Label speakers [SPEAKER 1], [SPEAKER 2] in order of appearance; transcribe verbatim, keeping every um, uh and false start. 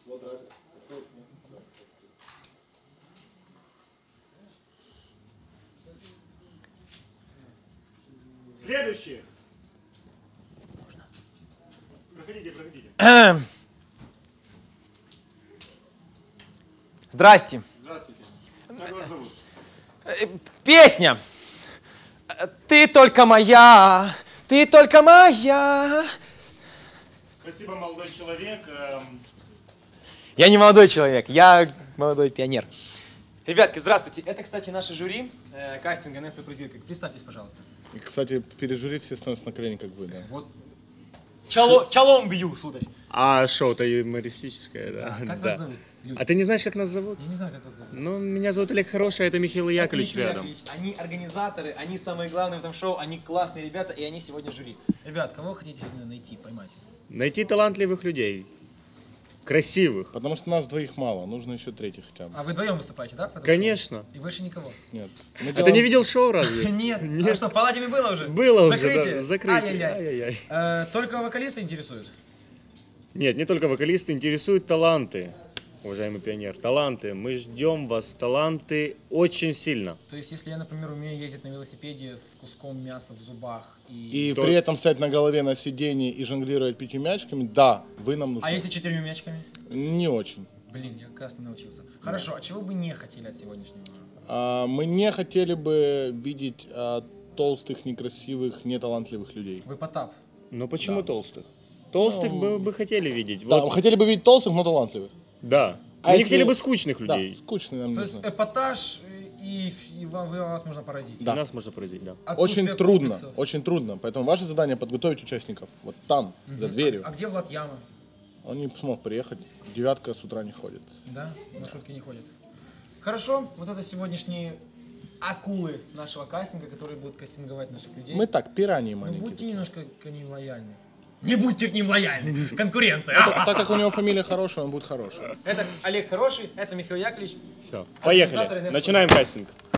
[SPEAKER 1] Следующий. Проходите, проходите.
[SPEAKER 2] Здрасте.
[SPEAKER 1] Здравствуйте. Как вас зовут?
[SPEAKER 2] Песня. Ты только моя, ты только моя.
[SPEAKER 1] Спасибо, молодой человек.
[SPEAKER 2] Я не молодой человек, я молодой пионер. Ребятки, здравствуйте. Это, кстати, наше жюри э, кастинга Несса Прозирка. Представьтесь, пожалуйста.
[SPEAKER 3] И, кстати, перед жюри все становятся на колени, как вы, да?
[SPEAKER 2] Вот. Чало, чалом бью, сударь.
[SPEAKER 1] А шоу-то юмористическое, да?
[SPEAKER 2] А, как
[SPEAKER 1] да.
[SPEAKER 2] вас зовут? Люди?
[SPEAKER 1] А ты не знаешь, как нас зовут?
[SPEAKER 2] Я не знаю, как вас зовут.
[SPEAKER 1] Ну, меня зовут Олег Хороший, а это Михаил Яковлевич
[SPEAKER 2] Михаил
[SPEAKER 1] рядом.
[SPEAKER 2] Яковлевич. Они организаторы, они самые главные в этом шоу, они классные ребята, и они сегодня жюри. Ребят, кого вы хотите сегодня найти, поймать?
[SPEAKER 1] Найти талантливых людей. Красивых.
[SPEAKER 3] Потому что нас двоих мало, нужно еще третий хотя бы.
[SPEAKER 2] А вы вдвоем выступаете, да? в этом
[SPEAKER 1] Конечно.
[SPEAKER 2] шоу? И больше никого?
[SPEAKER 3] Нет. Мы
[SPEAKER 1] А ты
[SPEAKER 3] делаем-
[SPEAKER 1] не видел шоу разве?
[SPEAKER 2] Нет.
[SPEAKER 1] Нет.
[SPEAKER 2] А что, в палате было уже?
[SPEAKER 1] Было уже,
[SPEAKER 2] Закрытие?
[SPEAKER 1] да, закрытие.
[SPEAKER 2] Ай-яй-яй.
[SPEAKER 1] Ай-яй-яй.
[SPEAKER 2] Э, Только вокалисты интересуют?
[SPEAKER 1] Нет, не только вокалисты, интересуют таланты, уважаемый пионер. Таланты. Мы ждем вас, таланты, очень сильно.
[SPEAKER 2] То есть, если я, например, умею ездить на велосипеде с куском мяса в зубах и...
[SPEAKER 3] И
[SPEAKER 1] То-
[SPEAKER 3] при этом стоять на голове на сиденье и жонглировать пятью мячиками, да, вы нам нужны.
[SPEAKER 2] А если четырьмя мячиками?
[SPEAKER 3] Не очень.
[SPEAKER 2] Блин, я, кажется, не научился. Хорошо, а чего бы не хотели от сегодняшнего?
[SPEAKER 3] А, мы не хотели бы видеть а, толстых, некрасивых, неталантливых людей.
[SPEAKER 2] Вы Потап.
[SPEAKER 1] Но почему толстых? Толстых
[SPEAKER 3] Ну,
[SPEAKER 1] мы бы хотели видеть.
[SPEAKER 3] Да,
[SPEAKER 1] Вот.
[SPEAKER 3] мы хотели бы видеть толстых, но талантливых.
[SPEAKER 1] Да.
[SPEAKER 3] А
[SPEAKER 1] Мы не
[SPEAKER 3] если-
[SPEAKER 1] хотели бы скучных людей.
[SPEAKER 3] Да, скучные нам
[SPEAKER 2] То есть
[SPEAKER 3] нужны.
[SPEAKER 2] эпатаж, и, и вам- вы- вас можно поразить.
[SPEAKER 3] Да.
[SPEAKER 1] Нас можно поразить, да.
[SPEAKER 2] Отсутствие
[SPEAKER 3] Очень трудно,
[SPEAKER 2] комплексов.
[SPEAKER 3] очень трудно. Поэтому ваше задание подготовить участников. Вот там, за дверью.
[SPEAKER 2] А где Влад Яма?
[SPEAKER 3] Он не смог приехать. Девятка с утра не ходит.
[SPEAKER 2] Да, маршрутки не ходят. Хорошо, вот это сегодняшние акулы нашего кастинга, которые будут кастинговать наших людей.
[SPEAKER 3] Мы так, пираньи
[SPEAKER 2] Ну,
[SPEAKER 3] маленькие.
[SPEAKER 2] будьте немножко к ним лояльны. Не будьте к ним лояльны. Конкуренция.
[SPEAKER 3] А так как у него фамилия хорошая, он будет хороший.
[SPEAKER 2] Это Олег Хороший, это Михаил Яковлевич.
[SPEAKER 1] Все.
[SPEAKER 2] Организаторы
[SPEAKER 1] Поехали.
[SPEAKER 2] Несс
[SPEAKER 1] Начинаем кастинг.